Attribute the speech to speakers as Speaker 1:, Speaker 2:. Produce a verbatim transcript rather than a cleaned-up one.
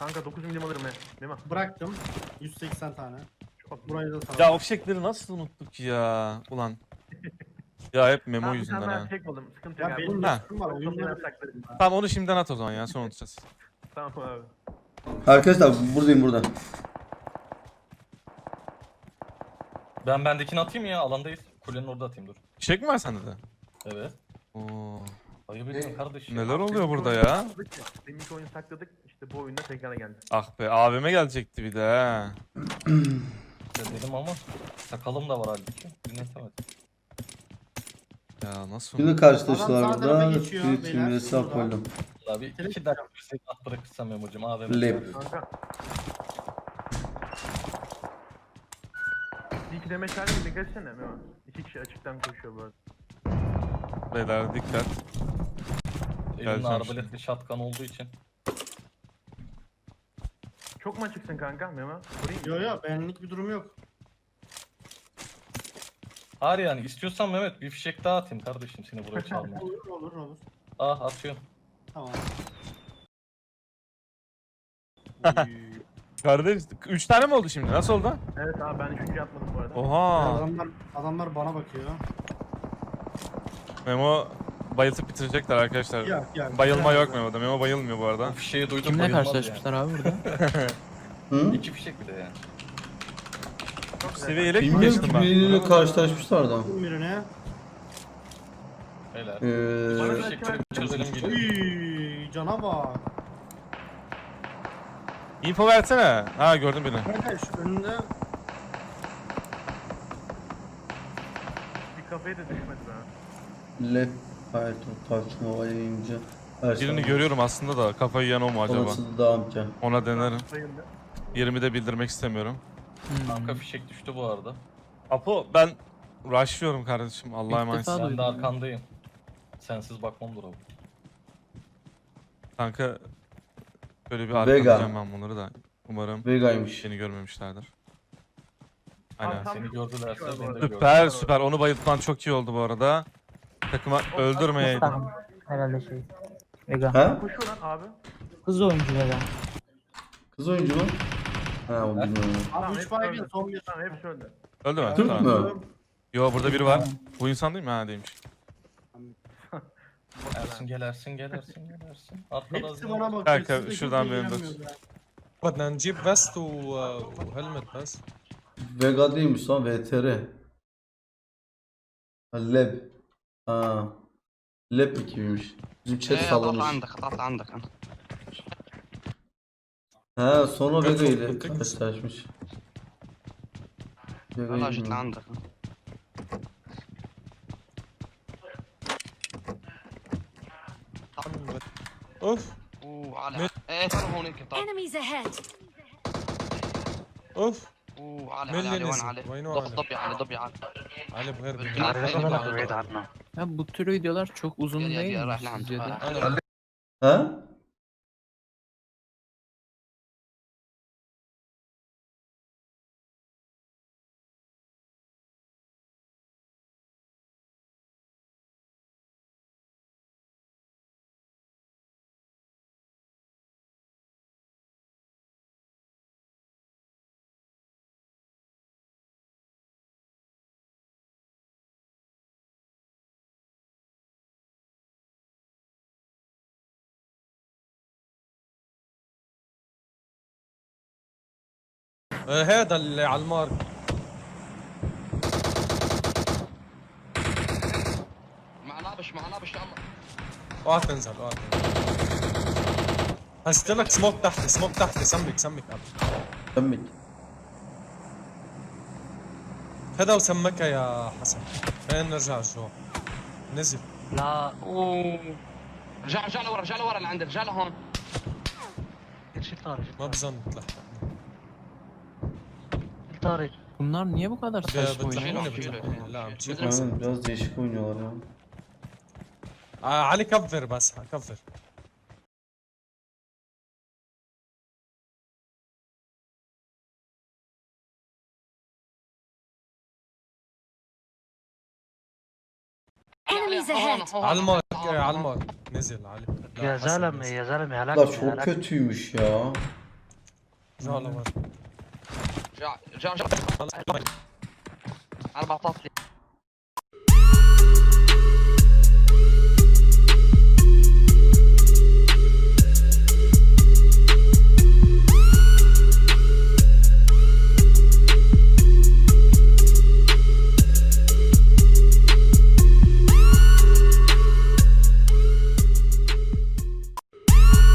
Speaker 1: Kanka dokuz milim alırım he. Değil mi?
Speaker 2: Bıraktım. yüz seksen tane.
Speaker 1: Çok
Speaker 2: Burayı da sana.
Speaker 3: Ya o fişekleri nasıl unuttuk ya? Ulan. Ya hep memo
Speaker 1: Tamam,
Speaker 3: yüzünden
Speaker 1: bir tane
Speaker 3: ha.
Speaker 1: tek oldum. Sıkıntı yok
Speaker 2: Ya
Speaker 1: abi.
Speaker 2: benim
Speaker 3: Ha.
Speaker 2: lüksüm var. Oyunları
Speaker 1: saklarım.
Speaker 3: Tamam onu şimdiden at o zaman ya, sonra unutacağız.
Speaker 1: Tamam abi.
Speaker 4: Arkadaşlar buradayım burada.
Speaker 5: Ben bendekini atayım ya, alandayız. Kulenin orada atayım dur.
Speaker 3: Fişek mi var sende de?
Speaker 5: Evet.
Speaker 3: Oo.
Speaker 5: Ayıp ediyorum kardeşim.
Speaker 3: Neler oluyor
Speaker 1: Deminki
Speaker 3: burada
Speaker 1: oyunu
Speaker 3: ya?
Speaker 1: sakladık ya, Deminki oyunu sakladık. İşte bu oyunda tekrar geldi.
Speaker 3: Ah be, abime gelecekti bir de ha.
Speaker 5: Dedim ama sakalım da var halbuki. Dinletemedim.
Speaker 3: Ya nasıl?
Speaker 4: Şimdi karşılaştılar
Speaker 2: Adam sağ tarafa
Speaker 4: burada.
Speaker 2: geçiyor,
Speaker 4: Bir
Speaker 2: beyler.
Speaker 4: team hesap
Speaker 2: Burada.
Speaker 4: koydum.
Speaker 5: Abi iki dakika bir şey at bırakırsam Memo'cum. A V M.
Speaker 4: Lep.
Speaker 1: Kanka. Bir iki demeç halde bir dikkat etsene. Memo. İki kişi açıktan koşuyor bu arada.
Speaker 3: Beyler dikkat.
Speaker 5: Elimde
Speaker 3: Geleceğim
Speaker 5: arbaletli shotgun olduğu için.
Speaker 1: Çok mu açıksın kanka Memo? Sorayım mı?
Speaker 2: Yo yo benlik bir durum yok.
Speaker 5: Hayır yani istiyorsan Mehmet bir fişek daha atayım kardeşim seni buraya çalmaya.
Speaker 2: Olur olur olur.
Speaker 5: Ah atıyorum.
Speaker 2: Tamam.
Speaker 3: Kardeş, üç tane mi oldu şimdi? Nasıl oldu?
Speaker 1: Evet abi ben üçüncü atmadım bu arada.
Speaker 3: Oha.
Speaker 2: Adamlar, adamlar bana bakıyor.
Speaker 3: Memo bayıltıp bitirecekler arkadaşlar.
Speaker 2: Yok yok.
Speaker 3: Bayılma
Speaker 2: Biraz
Speaker 3: yok
Speaker 2: da.
Speaker 3: Memo'da. Memo bayılmıyor bu
Speaker 5: Bu
Speaker 3: arada.
Speaker 5: fişeği duydum
Speaker 6: Kimle
Speaker 5: bayılmaz
Speaker 6: karşılaşmışlar abi burada?
Speaker 4: Hı?
Speaker 5: yani. İki fişek bir de yani.
Speaker 1: Çok güzel.
Speaker 3: Seviyeli mi
Speaker 4: Bilmiyorum
Speaker 3: geçtim
Speaker 4: ki
Speaker 3: ben?
Speaker 4: biriyle karşılaşmışlar da.
Speaker 2: Vurdum birine.
Speaker 5: Beyler.
Speaker 4: Ee,
Speaker 5: Bu fişekleri çözelim geliyor.
Speaker 2: Uy, cana bak.
Speaker 3: Info versene. Ha gördüm birini.
Speaker 2: Kanka şu önünde
Speaker 1: Bir kafaya da düşmedi be.
Speaker 4: Lep. Hayır, tartışma yayıncı. Her şey
Speaker 3: Birini görüyorum aslında da kafayı yiyen o mu acaba?
Speaker 4: Olası da amca.
Speaker 3: Ona denerim.
Speaker 1: Sayıldı.
Speaker 3: Yerimi de bildirmek istemiyorum.
Speaker 6: Hmm.
Speaker 5: Kanka fişek düştü bu arada.
Speaker 3: Apo ben rushlıyorum kardeşim. Allah'a
Speaker 6: İlk
Speaker 3: emanet.
Speaker 6: defa
Speaker 5: Ben
Speaker 6: duydum
Speaker 5: de
Speaker 6: ya.
Speaker 5: arkandayım. Sensiz bakmam dur abi.
Speaker 3: Kanka böyle bir
Speaker 4: Vega.
Speaker 3: arkalayacağım ben bunları da. Umarım
Speaker 4: Vega'ymış.
Speaker 3: beni görmemişlerdir. Aynen.
Speaker 1: Tam
Speaker 5: Seni
Speaker 1: çok
Speaker 5: gördülerse
Speaker 1: kişi var bu
Speaker 5: beni de
Speaker 1: arada.
Speaker 5: gördüler.
Speaker 3: Süper süper. Onu bayıltman çok iyi oldu bu arada. Takıma öldürmeyeydim.
Speaker 7: Tamam. Herhalde şey. Vega.
Speaker 4: Ha?
Speaker 1: Koşuyor lan abi.
Speaker 7: Kız oyuncu Vega.
Speaker 4: Kız oyuncu mu? Ha o bilmiyorum.
Speaker 2: abi
Speaker 1: Tamam,
Speaker 2: üç
Speaker 1: hepsi
Speaker 2: baygın
Speaker 1: öldü.
Speaker 2: son bir.
Speaker 1: Tamam hepsi öldü.
Speaker 3: Öldü mü?
Speaker 4: Türk
Speaker 3: Tamam.
Speaker 4: mü?
Speaker 3: Yo burada biri var. Bu insan değil mi? Ha değilmiş.
Speaker 5: Ersin gel Ersin gel Ersin gel Ersin. Arkada
Speaker 2: Hepsi
Speaker 5: az-
Speaker 2: bana bakıyor.
Speaker 3: Kanka,
Speaker 2: siz de
Speaker 3: şuradan
Speaker 2: kimse
Speaker 3: benim de-
Speaker 2: ilgilenmiyor be.
Speaker 8: بدنا نجيب فيست و- وهلمت بس.
Speaker 4: Vega değilmiş lan V T R. Ha, Leb. Ha. Leb ekibiymiş. Bizim chat
Speaker 9: ايه قطعت
Speaker 4: sallamış.
Speaker 9: عندك قطعت عندك انا.
Speaker 4: Ha sonra Vega ile
Speaker 8: Çok- çok-
Speaker 4: karşılaşmış. Vega'yı
Speaker 9: والله جيت
Speaker 4: bilmiyorum.
Speaker 9: لعندك.
Speaker 8: اوف
Speaker 9: وعلى ايه تعالوا هون هيك طيب.
Speaker 10: Enemies ahead.
Speaker 8: اوف
Speaker 9: وعلى
Speaker 8: مين
Speaker 9: علي
Speaker 8: اللي
Speaker 9: علي وين
Speaker 8: نزل؟
Speaker 9: علي؟
Speaker 8: وينه
Speaker 9: ضب
Speaker 8: علي؟
Speaker 9: ضبي علي ضبي علي.
Speaker 8: علي بغير
Speaker 9: بعيد
Speaker 8: بغير.
Speaker 9: عنا.
Speaker 6: Ya bu tür videolar çok uzun
Speaker 9: يا- يا-
Speaker 6: değil
Speaker 9: يا
Speaker 6: mi
Speaker 9: رايح لعنده.
Speaker 6: sizce de?
Speaker 9: انا
Speaker 4: Ha?
Speaker 8: آه، هذا اللي على المارك.
Speaker 9: مع نابش مع نابش يلا.
Speaker 8: اوعى تنزل اوعى تنزل. هسيت لك سموك تحت سموك تحت سمك سمك قبل.
Speaker 4: Semmik.
Speaker 8: هذا وسمكها يا حسن. خلينا نرجع جوا. نزل.
Speaker 9: لا اوه رجع رجع لورا رجع لورا لعند رجع لهون. شيل طارق
Speaker 8: ما بظن تلحق.
Speaker 9: شيل طارق.
Speaker 6: Bunlar niye bu kadar saçma oynuyor?
Speaker 8: بتلحقوني
Speaker 9: شيله،
Speaker 8: بتلحقوني. لا عم تشيل
Speaker 4: Aynen
Speaker 8: راسك.
Speaker 4: biraz değişik oynuyorlar ya.
Speaker 8: آه، علي كفر بس كفر.
Speaker 10: Enemies
Speaker 9: هون
Speaker 10: ahead.
Speaker 9: هون.
Speaker 8: على المارك آه، على المارك. نزل علي. لا،
Speaker 7: يا
Speaker 8: حسن
Speaker 7: زلمه
Speaker 8: نزل.
Speaker 7: يا زلمه هلاك
Speaker 4: La çok kötüymüş ya.
Speaker 8: جالا var.
Speaker 9: رجع رجع رجع. انا بعطاك